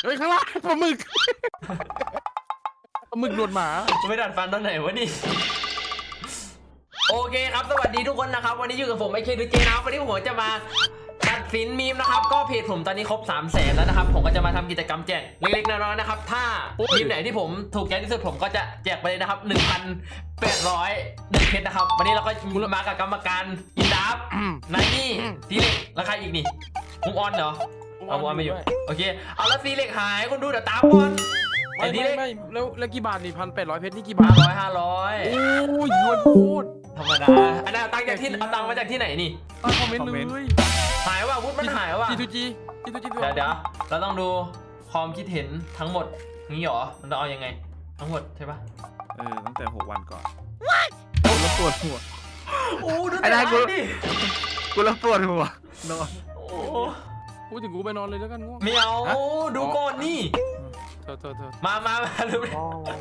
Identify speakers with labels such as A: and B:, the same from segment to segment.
A: เฮ้ยข้างล่างปลาหมึกปลาหมึกหนวดหมา
B: ไม่ดัดฟันตอนไหนวะนี่โอเคครับสวัสดีทุกคนนะครับวันนี้อยู่กับผมไอเคดูเจนะวันนี้ผมจะมาตัดสินมีมนะครับก็เพจผมตอนนี้ครบ 300,000 แล้วนะครับผมก็จะมาทำกิจกรรมแจกเล็กๆน้อยๆนะครับถ้ามีมไหนที่ผมถูกใจที่สุดผมก็จะแจกไปเลยนะครับ 1,800เพชรนะครับวันนี้เราก็มากับกรรมการอินดับนายนี่ซีเล็กแล้วใครอีกนี่มุกออนเหรอเอามุกออนไม่อยู่โอเคเอาแล้วซีเล็กหายคนดูเดี๋ยวตามก่อน
A: ไม่แล้วกี่บาทนี่1,800 เพชรนี่กี่บาท
B: 500
A: โอ้ยยวนพูด
B: ธรรมดาอันนั้นตังจากที่เอาตังมาจากที่ไหนนี่
A: ตั้งคอมเมนต์เลย
B: หายว่ะวุฒิมันหายว่ะ
A: จี
B: เดี๋ยวเราต้องดูความคิดเห็นทั้งหมดงี้หรอมันต้องเอายังไงทั้งหมดใช่ปะ
C: ตั้งแต่6 วันก่อนกูแล้วปวดหัว
B: โอ้ดูแต่กูดิ
C: กูแล้วปวดหัวนอน
B: โอ้
A: พูดถึงกูไปนอนเลยแล้วกันง่วง
B: ไม่เอาดูก่อนนี่
A: เธอ
B: มาดูดิ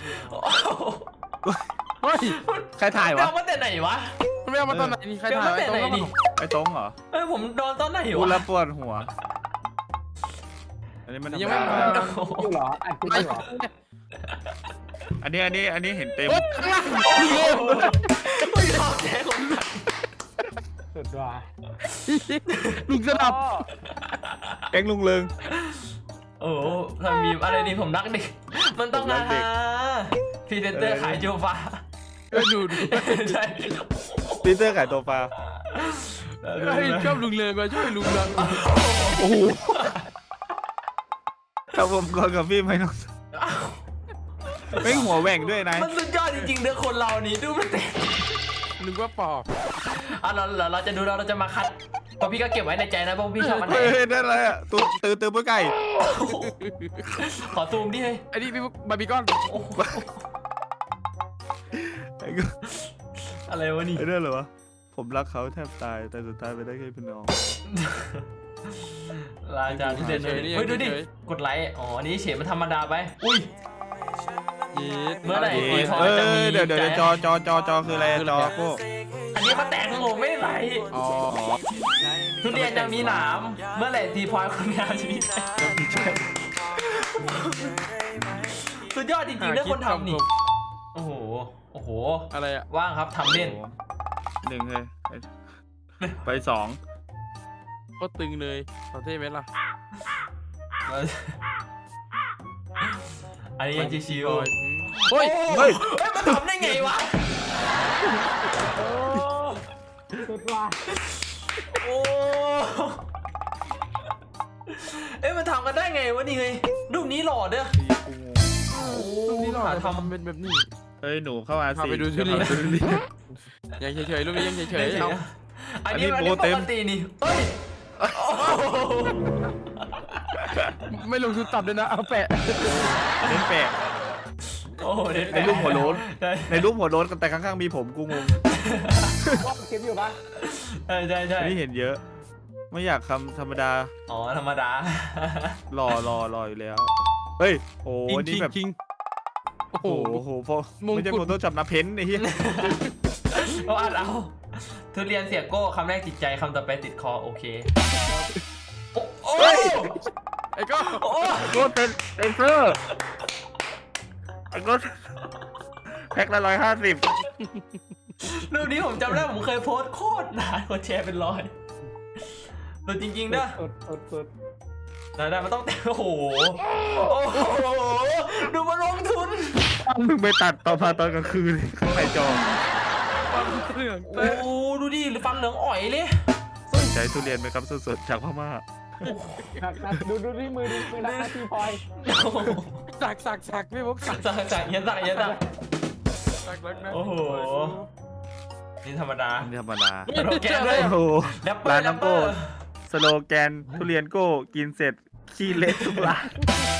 A: เฮ้ย
C: ใครถ่ายวะ
B: เอามาแต่ไหนวะ
A: ไม่เอามาตอนไหนนี่ใครถ่าย
B: แต่ไหนนี่
C: ไอ้ตรงเหรอ
B: ผมนอนตอนไหนวะ
C: กูแล้วปวดหัวอันนี้มัน
A: ยังไม่มา
D: อยู่เหรออัดคลิปอยู่เหรอ
C: อันนี้เห็นเต็ม
A: ข้างล่าง
B: ไม่ชอบแย่คนหนัก
D: สุดว่ะ
A: ลุงสนับ
C: แกงลุงเลิง
B: โอ้ทำมีอะไรดีผมรักเด็กมันต้องนะฮะพรีเซนเตอร์ขายโจฟ้า
A: ดู
B: ใช่
C: ปีเตอร์ขายตัวปลา
A: ชอบลุงเลยมาช่วยลุงเลย
C: โอ้โหครับผมก่อนกับพี่ไม่ต้องไม่หัวแหว่งด้วยนาย
B: มันสุดยอดจริงๆเด้อคนเรานี่ดูมันเต็ม
A: นึกว่าปอบ
B: เราจะดูเราจะมาคัดเพราะพี่ก็เก็บไว้ในใจนะเพราะพี่ชอบมันไหน
C: นั่นอะไรอ่ะตื่นปุ้ยไก่
B: ขอซูมดิเฮ้ย
A: ไอ้นี่พี่บาร์บีคอน
B: อะไรวะนี่
C: ไอ้เรื่องเหรอวะผมรักเขาแทบตายแต่สุดท้ายไปได้แค่พี่น้อง
B: ลาจานที่เด่นเลยเฮ้ยดูดิกดไลค์อ๋ออันนี้เฉยมันธรรมดาไปอุ้ยเมื่อไหร่
C: เดี๋ยวจอคืออะไรจอพวก
B: อันนี้มาแต่งผมไม่ไหลทุเรียนจะมีหนามเมื่อไหร่ทีพอยคนงานจะมีสุดยอดจริงๆเรื่องคนทำนี่โอ้โห
A: อะไรอะ
B: ว่างครับทำเล่น
C: 1เลยไป2
A: ก็ตึงเลยประเทศไหมล่ะ
B: อันนี้ยังชิว
A: เฮ้ย
B: มันทำได้ไงวะ
D: สุดว่ะ
B: โอ้มันทำกันได้ไงวะนี่เฮ้ยรูปนี้หล่อเด้อ
A: รูปนี้หล่อทำเป็นแบบนี้
C: หนูเข้ามาสิ
A: ไปดูชุดนี้ยังเฉยๆรูปนี้ยังเฉยๆ
B: อันนี้ปกตินี่
A: ไม่ลงทุนตับเลยนะเอาแปะ
C: เน้นแปะในรูปหัวโล้นแต่ข้างๆมีผมกูงง
D: ว่าคลิปอยู่ปะ
B: ใช่
C: นี่เห็นเยอะไม่อยากคำธรรมดา
B: อ๋อธรรมดา
C: หล่ออยู่แล้วเฮ้ยโอ้นี่แบบโอ้โหพอไม่ใช่ผมต้องจับน้ำเพ้นไอ้เหี้ย
B: เอาทุเรียนเสียโก้คำแรกติดใจคำต่อไปติดคอโอเค
A: โอ้ไอ้
C: ก็เต็มเสื้อไอ้ก็แพ็คละ150
B: รูปนี้ผมจำได้ผมเคยโพสต์โคตรนานกว่าแชร์เป็น100ตัวจริงๆนะ
D: สุด
B: ได้มันต้องโอ้โหดูมาลงทุน
C: มึงไปตัดตอนกลางคืนใส่จอ
B: โอ้ดูดิฟันเหลืองอ่อยเลย
C: สนใจทุเรียนไหมครับสดๆจากพม่า
D: ดูที่มือนะที่พลอย
A: สักไม่พก
B: สักยันโอ้โหนี่ธรรมดาสโลแกนเลย
C: ร้านน้ำโก้สโลแกนทุเรียนโก้กินเสร็จขี้เละทุกร้าน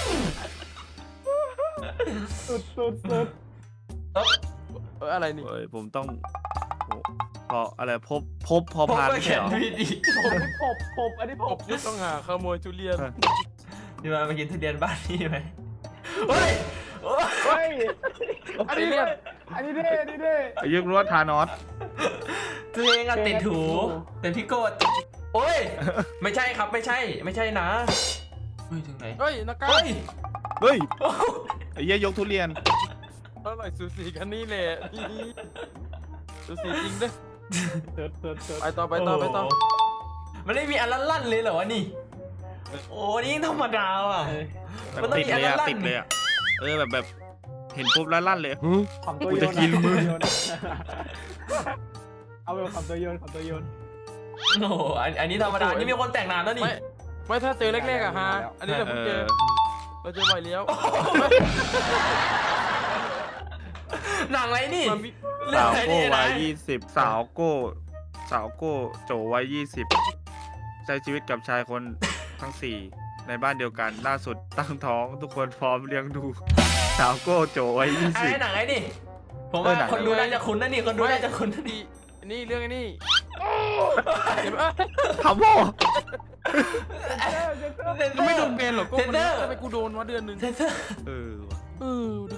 D: สุด
A: อะไรนี่
C: ผมต้องพออะไรพบพอพานไม่ใช่หรอ
D: ผมอันนี้ผม
A: ต้องหาขโมยทุเรียน
B: นี่มากินทุเรียนบ้านนี่ไหม
D: เฮ้ยอันนี้เด้
C: ยึกรู้ว่าทานอส
B: ตัวเองอะติดถูเป็นพี่โกดโอ้ยไม่ใช่ครับไม่ใช่นะเฮ้ยถึงไหน
A: เฮ้ยนักกา
B: เฮ้ย
C: เฮ้ยไอ้เหี้ยยกทุเรียน
A: เท่าไหร่สูสีกันนี่แหละสูสีจริงเด้
D: เติร์ดเติร์ดเติร์ด
A: ไปต่อไปต่อไปต่อ
B: โโหมันไม่มีอันลั่นๆเลยเหรอวะนี่โอ้นี่ธรรมดาว่ะ
C: แบบ
B: มันต้อง
C: ติด
B: มีอัน
C: เลยอะ
B: ลั่นๆ
C: ติดเลยอะแบบเห็นปุ๊บแล้วลั่นเลย
D: ขำตัว
C: กู
D: โย
C: จะ
D: น
C: กินมึง
D: เอาไปขำตัวโยนขำตัวโยน
B: โอ้โหอันนี้ธรรมดา นี่มีคนแต่งนานแล้วนี่
A: ไม่ถ้าเจอแรกๆอะฮะอันนี้เราเพิ่งเจอเราเจอบ่อยแล้ว
B: หนังอะไรนี่
A: มันมี
B: เรื่อง
C: สาว
B: อะไร
C: โก้
B: นี่
C: วั
B: นะ
C: ย20สาวโก้โจวัย20ใช้ชีวิตกับชายคนทั้ง4ในบ้านเดียวกันล่าสุดตั้งท้องทุกคนพร้อมเลี้ยงดูสาวโก้โจวัย
B: ไอ้หนังไอ้นี่ ผมว่า
C: หนัง
B: คนดูน่าจะคุ้นนะนี่ คนดูน่าจะคุ้นนะนี่
A: นี่เรื่องไอ้นี่เห็นปะ
C: 20ทำโม่
A: กูไม่โดนเบนหรอกกู
B: เซน
A: มัน
B: เตอร์
A: ทำไมกูโดนวะเดือนหนึ่ง
B: เซนเซอร์
C: เออว่ะ
A: ดิ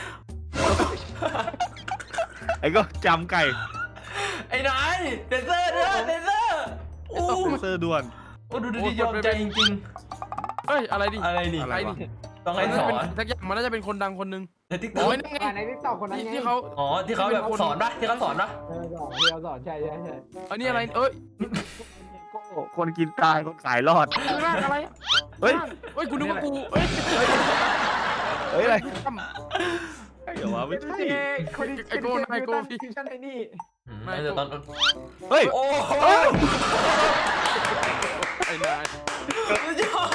C: ไอ้ก็จำไก่
B: ไอ้นายเซนเซอร์เด้อเซนเซอร์โอ้
C: เซอร์ด่วน
B: โอ้ดูดิยอมใจจริง
A: เฮ้ยอะไรดิ
B: ๆ อะไรนี่
C: อะไรวะ
B: ต้องให้สอน
A: สักอย่างมันน่าจะเป็นคนดังคนหนึ่ง
B: ในทิกต็อก
A: โอ้ยนั่นไง
D: ในทิกตอกคนนั้นไง
A: ที่เขา
B: อ๋อที่เขาแบบสอนปะที่เขาสอนปะ
D: ที่เราสอนใช่ใช่ใช่
A: อันนี้อะไรเอ้ย
C: คนกินตายคนขายรอด
A: ร่างอะไร
C: เฮ้ย
A: เฮ้ยกูนึกว่ากูเฮ้ย
C: เฮ้ยอะไร
A: ทำ
C: เดี๋ยววะไม่ใช่
D: คนที่
A: ไอ้โก้ไอ้โก้พี่
D: ทีมชั้นไอ้นี่
B: น่าจะตอน
C: เฮ้ย
B: โอ้โห
A: ไอ้นาย
B: สุดยอด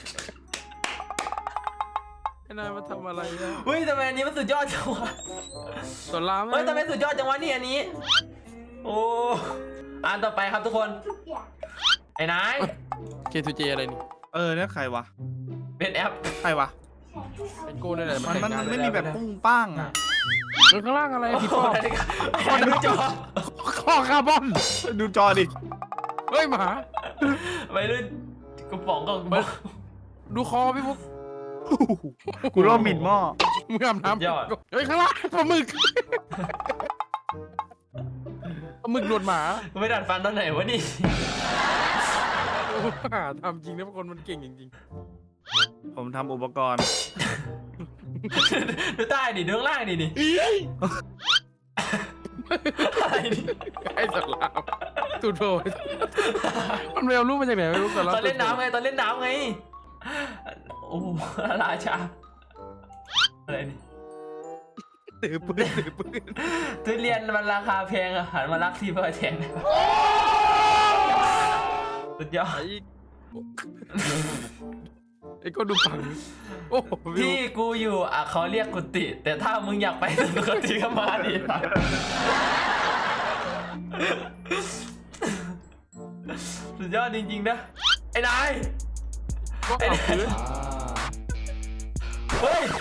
A: ไอ้นายมาทำอะไรเนี่ย
B: เฮ้ยทำไมอันนี้มันสุดยอดจังวะ
A: สอนราม
B: เฮ้ยทำไมสุดยอดจังวะนี่อันนี้ โอ้อ่านต่อไปครับทุกคน ไอ้นาย
A: เคทูเจอะไรนี่
C: เนี่ยใครวะ
B: เป็นแอป
C: ใครวะ
A: ไอ้โก้นี่แหละ
C: มันไม่มีแบบปุ้งป้างอ่ะ
A: ข้างล่างอะไรพี่
B: โอ้
A: ป้อ
B: นาฬิกาไอ้นายดูจอ
C: ข้อคาร์บอนดูจอดิ
A: เฮ้ยหมา
B: ไปรุ่นกระป๋องก็
A: ดูคอพี่ฟุก
C: กูรอบหมิ่นหม้อ
A: มึงอาบน้ำเฮ้ยข้างล่างปลาหมึกปลาหมึกหนวดหมา
B: ไม่ดัดฟันตอนไหนวะนี่
A: ทำจริงนะคนมันเก่งจริง
C: ผมทำอุปกรณ์
B: ดูใต้ดิดูข้างล่างดิอะไรดิ
A: ไอ้สารามตูโดมันไปเอารูปมาจากไหนไม่รู้สาราม
B: ตอนเล่นน้ำไงตอนเล่นน้ำไงโอ้ราชาอะไรนี่
A: ถือปืน
B: ทุเรียนมันราคาแพงอะหันมารักที่เพื่อแทนสุดยอด
A: ไอ้ก็ดูปังโอ้โห
B: ที่กูอยู่อ่ะเขาเรียกกุฏิแต่ถ้ามึงอยากไปสุกุฏิก็มาดิสุดยอดจริงๆนะไอ้นาย
A: ก็เอาปืน
B: เฮ้ย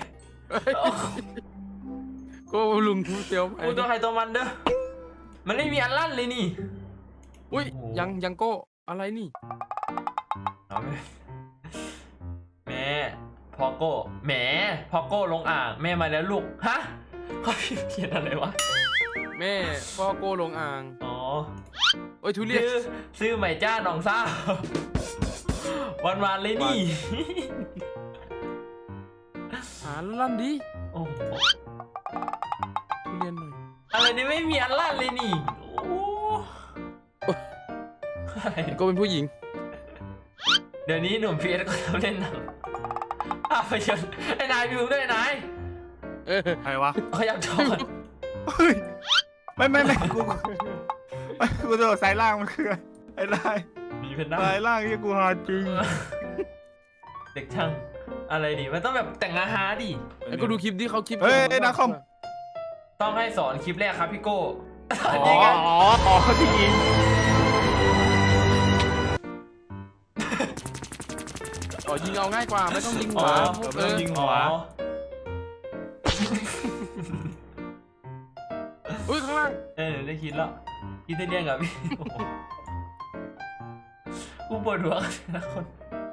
A: ก็ลุงเตียว
B: กูตัวใครตัวมันเด้อมันไม่มีอันลั่นเลยนี่
A: อุ้ยยังโก้อะไรนี่
B: เอาไหมแม่พอโก้แหมพอโก้ลงอ่างแม่มาแล้วลูกฮะเขาเขียนอะไรวะ
A: แม่พ่อโก้ลงอ่าง
B: อ๋อ
A: โอ้ยทุเรียน
B: ซื้อใหม่จ้าน้องซ่าวันเลยนี่
A: หาลั่นดิ
B: โอ้โห
A: ทุเรียนหน่อย
B: อะไรนี่ไม่มีอันลั่นเลยนี่โอ้อะไร
A: ไอ้โก้เป็นผู้หญิง
B: เดี๋ยวนี้หนุ่มพีเอสก็ทำเล่นหนังภาพยนตร์ไอ้นายดูด้วยนาย
C: ใครวะ
B: ขยับจอก่อน
C: เฮ้ยไม่กูตัวสายล่างมันคือไอ้ลาย
B: มีเพนด้า
C: สายล่างที่กูหาจริง
B: เด็กช่างอะไรดิมันต้องแบบแต่งอาหารดิ
A: ไอ้ก็ดูคลิปที่เขาคลิป
C: เฮ้ยนะคอม
B: ต้องให้สอนคลิปแรกครับพี่โก้
C: อ๋
B: จริงอะ
C: อที่ยิง
A: อ๋อยิงเอาง่ายกว่าไม่ต้องยิงหั
B: อ๋
A: ว
B: อ
C: ไม่ต้องยิงหัว
A: อุ้ยข้างล่าง
B: ได้คิดแล้วคิดได้เรียงกับพี่กูปวดหัวกันนะคน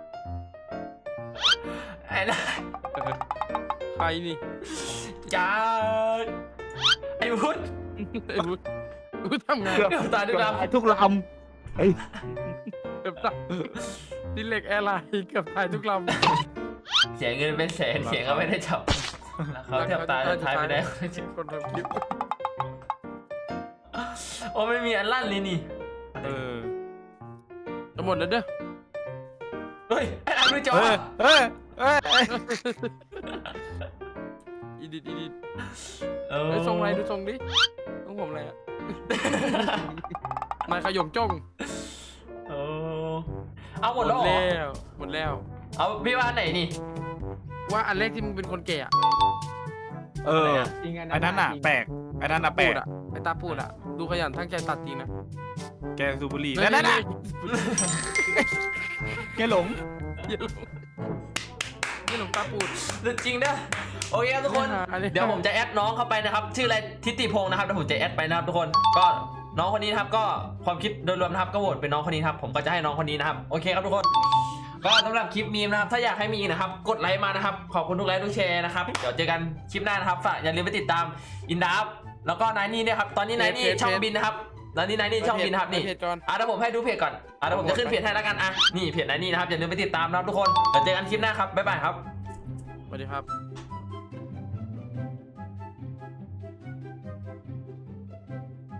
B: ไอ้นะ
A: ใครนี่
B: จ้าไอ้พุทธ
A: ไอ้บุทำไง
B: เดี๋ยวตาด้วยนะ
C: ทุกลำเฮ้ย
A: เกือบตายดิเล็กแอร์ไลน์เกือบตายทุกลำ
B: เสียเงินเป็นแสนเสียงก็ไม่ได้จับแล้วเขาแทบตายสุดท้ายไม่ได้
A: คนทำคลิป
B: โอ้ไม่มีอันลั่นเลยนี่
C: เออ
A: จะหมดแล้วเด้อ
B: เฮ้ยไอ้อันดูจอ
C: เฮ้ยเฮ้ยเฮ้ย
A: อีดิท
B: เออ
A: ไอ้ทรงอะไรดูทรงดิต้องผมอะไรอ่ะ นายขยมจ้อง
B: เออเอาหมดแล้วเหรอ
A: หมดแล้ว
B: เอาพี่ว่าอันไหนนี่
A: ว่าอันแรกที่มึงเป็นคนแก่อะ
C: เออ
D: จริง
C: ไอ้นั่นน่ะแปลกไอ้นั่นน่ะแปล
A: พู
C: ก
A: ดอะไอ้ตาพูดอะดูขยันทั้งใจตัดจริงนะ
C: แกสูบบุหรี่นั่นน่ะแกหลง
A: นี่หลงตาพูด
B: จริงนะโอเคครับทุกคน
A: อันนี้
B: เดี๋ยวผมจะแอดน้องเข้าไปนะครับชื่ออะไรทิติพงศ์นะครับเดี๋ยวผมจะแอดไปนะครับทุกคนก็น้องคนนี้นะครับก็ความคิดโดยรวมนะครับก็โหวตเป็นน้องคนนี้ครับผมก็จะให้น้องคนนี้นะครับโอเคครับทุกคนก็สำหรับคลิปมีมนะครับถ้าอยากให้มีอีกนะครับกดไลค์มานะครับขอบคุณทุกไลค์ทุกแชร์นะครับเดี๋ยวเจอกันคลิปหน้านะครับฝากอย่าลืมไปติดตามอินดับแล้วก็นายนี่เนี่ยครับตอนนี้นายนี่ช่องบินนะครับแล้วนี่นายนี่ช่องบินนะครับนี่
A: เพจก่อน
B: เดี๋ยวผมให้ดูเพจก่อนเดี๋ยวผมจะขึ้นเพจให้แล้วกันนี่เพจนายนี่นะครับอย่าลืมไปติดตามนะครับทุกคนเดี๋ยวเจอกันคลิปหน้าครับบ๊ายบายครับ
A: สวัสดีครับ